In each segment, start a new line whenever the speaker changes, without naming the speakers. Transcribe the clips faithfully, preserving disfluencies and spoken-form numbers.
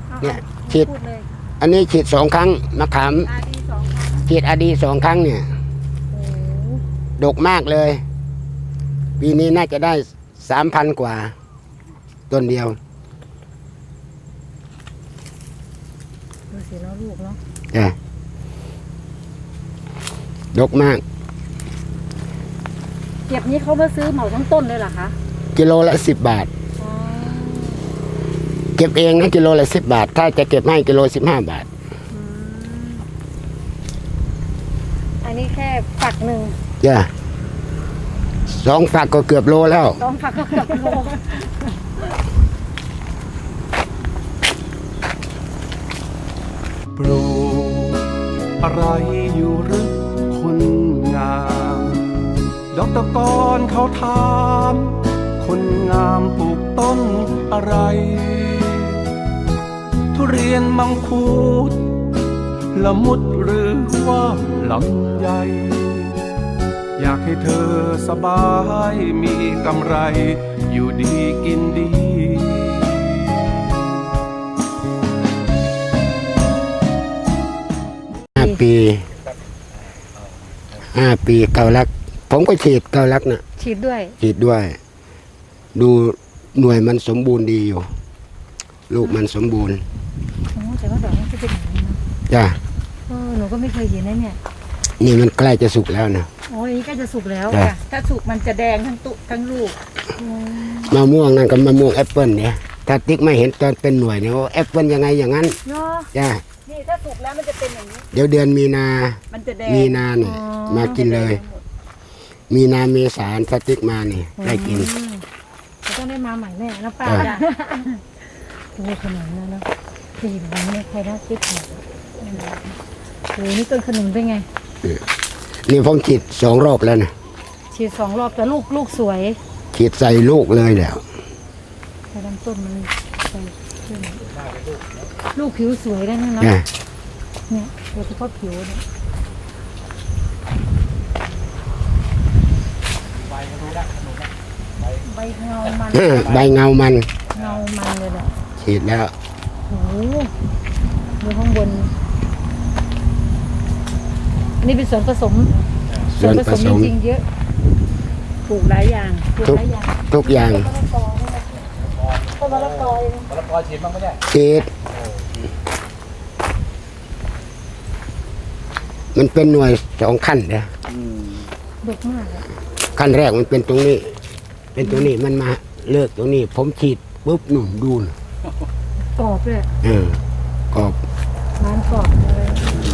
เนี่ยฉีดอันนี้ฉีดสองครั้งมะขามฉีดอาดีสองครั้งเนี่ยดกมากเลยปีนี้น่าจะได้สามพันกว่าต้นเดียว
ดูสิแล้วลูกเนาะ
จ้ะดกมาก
เก็บนี้เขามาซื้อเหมาทั้งต้นเลยเหรอคะ
กิโลละสิบบาทเก็บเองนะกิโลละสิบบาทถ้าจะเก็บให้กิโลสิบห้าบาท
อันนี้แค่ฝักหนึ่ง
จ้ะสองฝักก็เกือบโลแล้ว
สองฝักก็เกือบโล
ปลูกอะไรอยู่หรือคนงามดอกตะกอนเขาถามคนงามปลูกต้นอะไรทุเรียนมังคุดละมุดหรือว่าลำไยอยากให้เธอสบายมีกำไรอยู่ดีกินดี
ห้าปีห้าปีเกาลักผมก็ฉีดเกาลักนะ
ฉีดด้วย
ฉีดด้วย ดูหน่วยมันสมบูรณ์ดีอยู่ลูกมันสมบูรณ์
โอ้แต่ว่าดอกมันจะเป็นอย่างนี้นะ
จ้ะ
เออหนูก็ไม่เคยเห็นนะเนี่ย
นี่มันใกล้จะสุกแล้วนะ
โอ้ยนี่ใกล้จะสุกแล้วค่ะถ้าสุกมันจะแดงทั้งตุทั้งลูก
มะม่วงนั่นกับมะม่วงแอปเปิลเนี่ยถ้าติ๊กไม่เห็นตอนเป็นหน่วยเนี่ยว่าแอปเปิลยังไงอย่างนั้นจ้ะ
นี่ถ้าสุกแล้วมันจะเป็นอย่างนี้
เดี๋ยวเดือนมีนา
มันจะแดง
มีนาเนี่ยมากินเลยมีนาเมษาสติ๊กมานี่ได้กิน
จะต้องได้มาใหม่แน่นะป้าจ้ะโอ้ขนมนะเนาะดีแบบนี้ใครน่าคิดเหรอโอ้นี่ต้นขนมเป็นไง
นี่ผมฉีดสองรอบแล้วนะ
ฉีดสองรอบแต่ลูกลูกสวย
ฉีดใส่ลูกเลยแล้ว
แต่ลำต้นมันใส่ลูกผิวสวยได้นะเนี่ยโดยเฉพาะผิวเนี่ยใบเงามัน
ใบเงามัน
เงามันเลยแหละ
ฉีดแล้ว
โอ้โหดูข้างบนอันนี้เป็นส่วนผสม
ส่วนผสม
จริงๆเยอะปลูกหลายอย่างปลูกหลายอย่าง
ทุกอย่าง
ต้นมะละกอ
มะละกอฉีดบ้างไหมเนี่ย
ฉีดมันเป็นหน่วยสองขั้นเนี่ย
ดกมาก
ขั้นแรกมันเป็นตรงนี้เป็นตรงนี้มันมาเลิกตรงนี้ผมฉีดปุ๊บหนุ่มดูน
กรอบเลย
เออกรอบ
ร้านกรอบเลย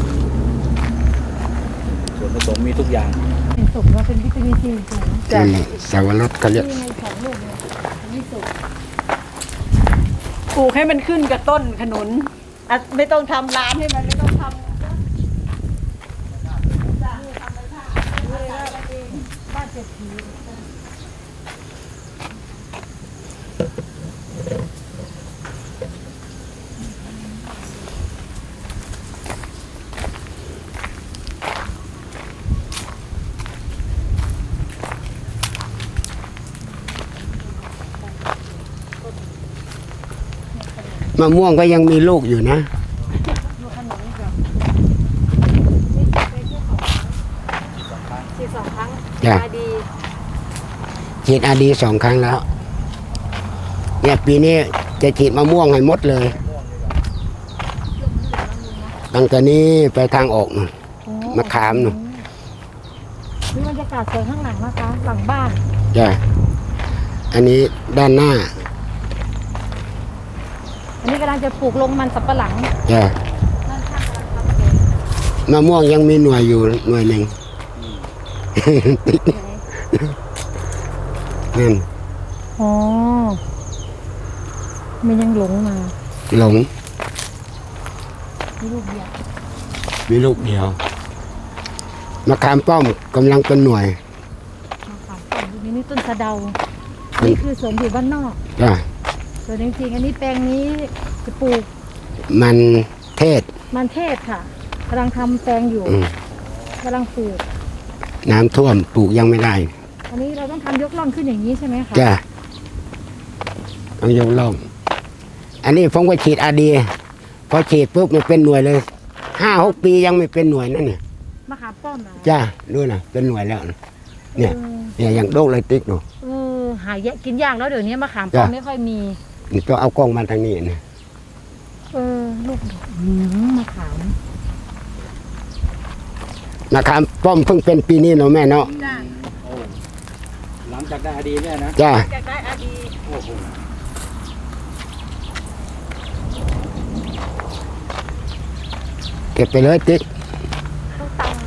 ส่วนผสมมีทุกอย่าง
เป็นสุกแล้วเป็นวิตามินซีสูง
จ้ะสาวรสเขาเรียก
ปลูกให้มันขึ้นกับต้นขนุนไม่ต้องทำร้านให้มันไม่ต้องทำบ้านเศรษฐี
มะม่วงก็ยังมีลูกอยู่นะ
ฉีดสองครั้ง
อาดีฉีดอาดีสองครั้งแล้วเนี่ยปีนี้จะฉีดมะม่วงให้หมดเลยตั้งแต่นี้ไปทางออกมะขามหนู
นี่บรรยากาศสวยข้างหลังนะคะหลังบ้าน
จ้ะอันนี้ด้านหน้า
อันนี้กำลังจะปลูกลงมันสับปะหลัง
จ้ะมะม่วงยังมีหน่วยอยู่หน่วยหนึ่งนั่น
อ๋อมันยังหลงมา
หลง
มีลูกเดียว
มีลูกเดียวมะขามป้อมกำลังเป็นหน่วย
มะขามป้อมนี่ต้นสะเดานี่คือสวนอยู่บ้านนอก
จ้ะ
ส่วนจริงๆอันนี้แปลงนี้จะปลูก
มันเทศ
มันเทศค่ะกำลังทำแปลงอยู่กำลังปลูก
น้ำท่วมปลูกยังไม่ได้
อันนี้เราต้องทำยกล่องขึ้นอย่างนี้ใช่ไหมคะ
จ้ะต้องยกล่องอันนี้ผมก็ฉีดอาดีพอฉีดปุ๊บมันเป็นหน่วยเลยห้าหกปียังไม่เป็นหน่วยนั่นเนี่ย
มะขามป้อมเหรอ
จ้าดูนะเป็นหน่วยแล้วนะเนี่ย
เออ
เนี่ยอย่างโดกเลยติ๊กดู
เออหายากกินยากแล้วเดี๋ยวนี้มะขามป้อม
จ้ะ
ไม่ค่อยมี
นี่ต้องเอากล้องมาทางนี้นะ
เออลูกดกอืมมะขาม
นะครับป้อมเพิ่งเป็นปีนี้เนาะแม่เนาะ
จ้า
หลังจากได้อดีเนี่ยนะ
จ้า
อยากได้อาดี
โอ้โห
เก็บไปเลยติ๊ก
ต้องตัง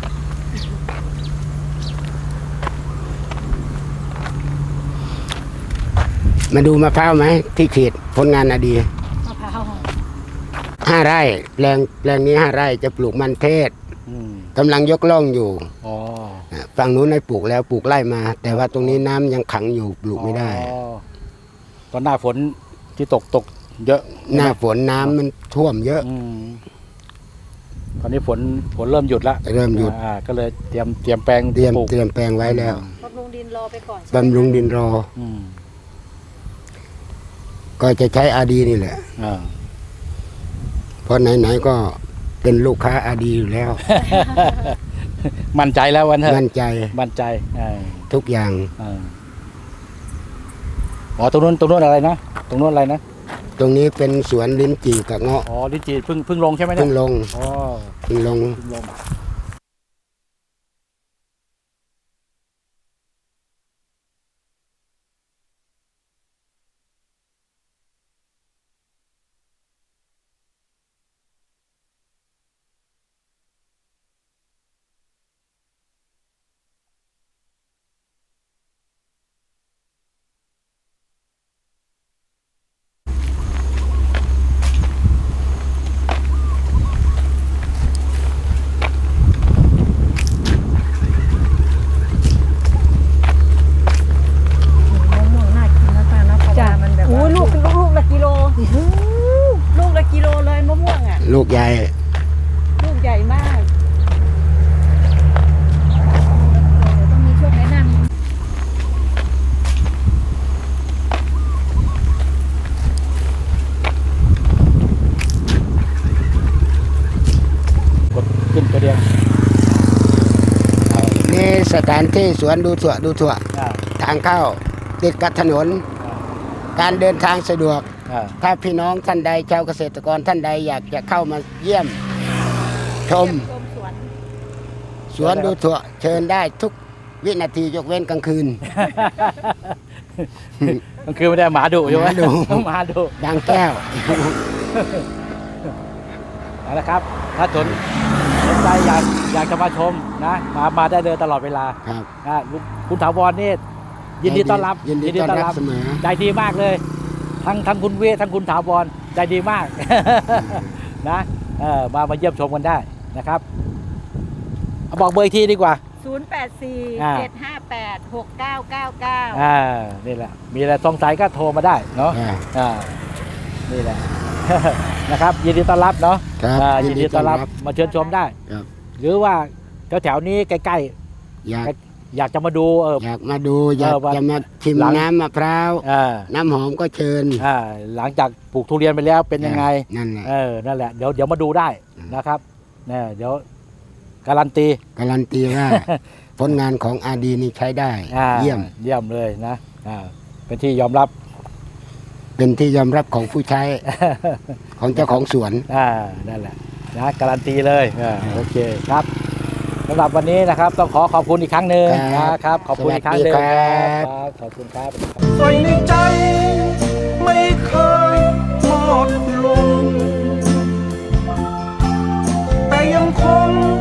มาดูมะพร้าวไหมที่ฉีดผลงานอดี
มะพร้าว
ห้าไร่แปลงแปลงนี้ห้าไร่จะปลูกมันเทศ
อืม
กำลังยกล่องอยู่
อ๋อ
ฝั่งนู้นได้ปลูกแล้วปลูกไร่มา แต่ว่าตรงนี้น้ำยังขังอยู่ปลูกไม่ได้
อ๋อตอนหน้าฝนที่ตกตกเยอะ
หน้าฝนน้ำมันท่วมเยอะ
อืมตอนนี้ฝนฝนเริ่มหยุดแล้ว
เริ่มหยุด
อ่าก็เลยเตรียมเตรียมแปลง
เตรียม
ปลูก
เตรียมแปลงไว้แล้ว
บำรุงดินรอไปก่อน
บำรุงดินรอ
อืม
ก็จะใช้อาดีนี่แหละ
อ่า
เพราะไหนๆก็เป็นลูกค้าอาดีอยู่แล้ว
มั่นใจแล้ววันเถอะ
มั่นใจ
มั่นใจอ่า
ทุกอย่าง
อ่าอ๋อตรงนู้นตรงนู้นอะไรนะตรงนู้นอะไรนะ
ตรงนี้เป็นสวนลิ้นจี่กับเงาะ
อ๋อลิ้นจี่เพิ่งเพิ่งลงใช่ไหมเนี่
เพิ่
ย
งลง
อ๋อ
เพิ่งลง
เพิ่งลง
มะม่วงน่ากินนะป้านะเพราะว่ามันแบบว่าลูกลูกลูกละกิโลลูกละกิโลเลยมะม่วงอ่ะ
ลูกใหญ่
ลูกใหญ่มากต้องมีช่วงแนะนำ
กดขึ้นกระเดียง
นี่สถานที่สวนดูถั่วดูถั่ว
อ่า
ทางเข้าติดกับถนน การเดินทางสะดวก
อ่า
ถ้าพี่น้องท่านใดชาวเกษตรกรท่านใดอยากจะเข้ามาเยี่ยม ชม
ชมสวน
สวนดูถั่วเชิญได้ทุกวินาทียกเว้นกลางคืน
มันคือไม่ได้หมาดุใช่ไหม
หมาดุ
หมาดุ
ดังแก้ว
เอาละครับ ถ้าสนสนใจอยากอยากจะมาชมนะมามาได้เลยตลอดเวลา
ครับ
นะลุงคุณถาวรนี่ยินดีต้อนรับ
ยินดีต้อนรับเสมอ
ใจดีมากเลย ทั้งทั้งคุณเวททั้งคุณถาวรใจดีมาก นะเออมามาเยี่ยมชมกันได้นะครับเอาบอกเบอร์อีกทีดีกว่า
ศูนย์ แปด สี่
อ่า
เจ็ด ห้า แปด หก เก้า เก้า เก้า
อ่านี่แหละ มีอะไรสงสัยก็โทรมาได้เนาะ
อ่า
อ่านี่แหละ นะครับ ยินดีต้อนรับเนาะ
ครับ
อ่า
ยิ
ยิ
น
น
ดี
ดีต้อนรับ
ต้อนรับ
มาเชิญชมได้
ครับ
หรือว่าแถวๆนี้ใกล้
อยาก
ๆ อยากจะมาดูเออ
อยากมาดูอยาก
เออว่า
จะมาชิม
หลัง
น้ำมะพร้าว
อ่า
น้ำหอมก็เชิญ
อ่าหลังจากปลูกทุเรียนไปแล้วเป็นยังไง
นั่นแหละ
เออ นั่นแหละ เดี๋ยวเดี๋ยวมาดูได้นะครับเนี่ยเดี๋ยวการันตี
การันตีว่า ผลงานของอาดีนี่ใช้ได้
อ่า
เยี่ยม
เยี่ยมเลยนะอ่าเป็นที่ยอมรับ
เป็นที่ยอมรับของผู้ใช้ ของเจ้าของสวน
อ่า นั่นแหละนะการันตีเลยอ่าโอเคครับสำหรับวันนี้นะครับ ต้องขอขอบคุณอีกครั้งหนึ่ง
ครับ
นะครับ ขอบคุณอีกครั้งหนึ่ง
สวัสดีครับ
ครับขอบคุณครับ
ใส่ในใจไม่เคยหมดลง แต่ยังคง